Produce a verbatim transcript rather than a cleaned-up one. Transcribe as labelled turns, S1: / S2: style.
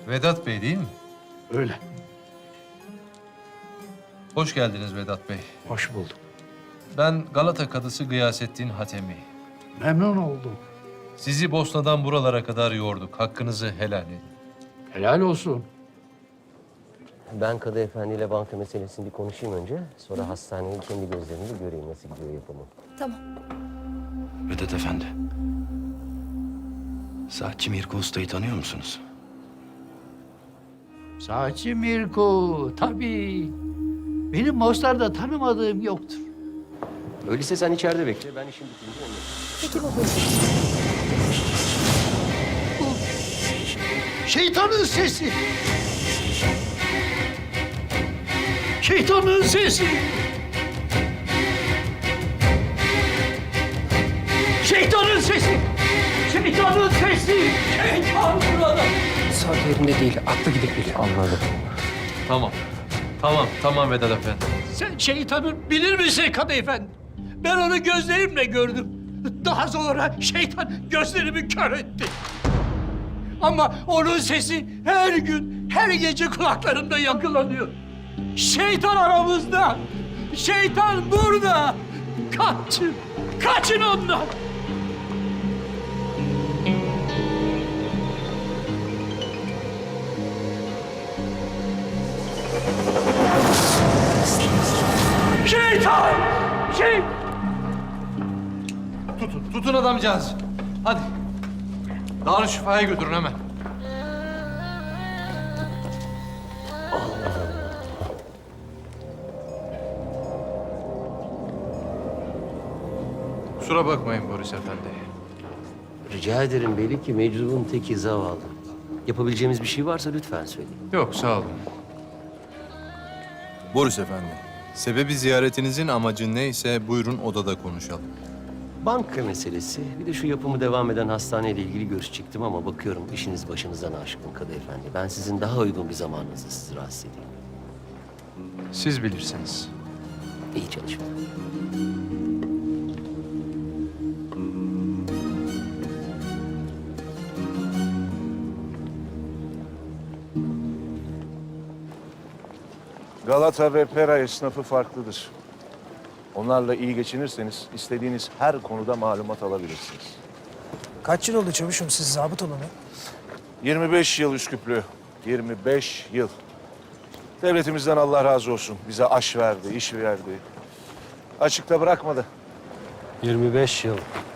S1: Vedat Bey değil mi?
S2: Öyle.
S1: Hoş geldiniz Vedat Bey.
S2: Hoş bulduk.
S1: Ben Galata Kadısı Gıyasettin Hatemi.
S2: Memnun oldum.
S1: Sizi Bosna'dan buralara kadar yorduk. Hakkınızı helal edin.
S2: Helal olsun.
S3: Ben Kadı Efendi ile banka meselesini bir konuşayım önce. Sonra hastaneyi kendi gözlerimle göreyim nasıl gidiyor yapımı.
S4: Tamam.
S5: Vedat Efendi. Saatçi Mirko Usta'yı tanıyor musunuz?
S2: Saatçi Mirko, tabii. Benim Mostar'da tanımadığım yoktur.
S3: Öyleyse sen içeride bekle. Ben işim bitince onu.
S4: Peki babacığım.
S2: Şeytanın sesi. Şeytanın sesi. Şeytanın sesi. Şeytanın sesi. Şeytan burada.
S6: Saat yerinde değil, aklı gidip geliyor.
S3: Anladım.
S1: Tamam. Tamam, tamam Vedat Efendi.
S2: Sen şeytanı bilir misin Kadı Efendi? Ben onu gözlerimle gördüm. Daha sonra şeytan gözlerimi kör etti. Ama onun sesi her gün, her gece kulaklarımda yankılanıyor. Şeytan aramızda. Şeytan burada. Kaçın. Kaçın ondan. Şeytan! Şey...
S1: Tutun, tutun adamcağız. Hadi. Darüşşifa'ya götürün hemen. Kusura bakmayın Boris Efendi.
S3: Rica ederim, belli ki meczubun teki zavallı. Yapabileceğimiz bir şey varsa lütfen söyleyin.
S1: Yok, sağ olun.
S7: Boris Efendi, sebebi ziyaretinizin amacı neyse buyurun odada konuşalım.
S3: Banka meselesi, bir de şu yapımı devam eden hastaneyle ilgili görüşecektim ama bakıyorum işiniz başınızdan aşkın Kadı Efendi. Ben sizin daha uygun bir zamanınızda sizi rahatsız edeyim.
S1: Siz bilirsiniz.
S3: İyi çalışın.
S8: Galata ve Pera esnafı farklıdır. Onlarla iyi geçinirseniz istediğiniz her konuda malumat alabilirsiniz.
S6: Kaç yıl oldu çavuşum siz zabıt olalı?
S8: yirmi beş yıl Üsküplü, yirmi beş yıl. Devletimizden Allah razı olsun. Bize aş verdi, iş verdi. Açıkta bırakmadı.
S3: yirmi beş yıl.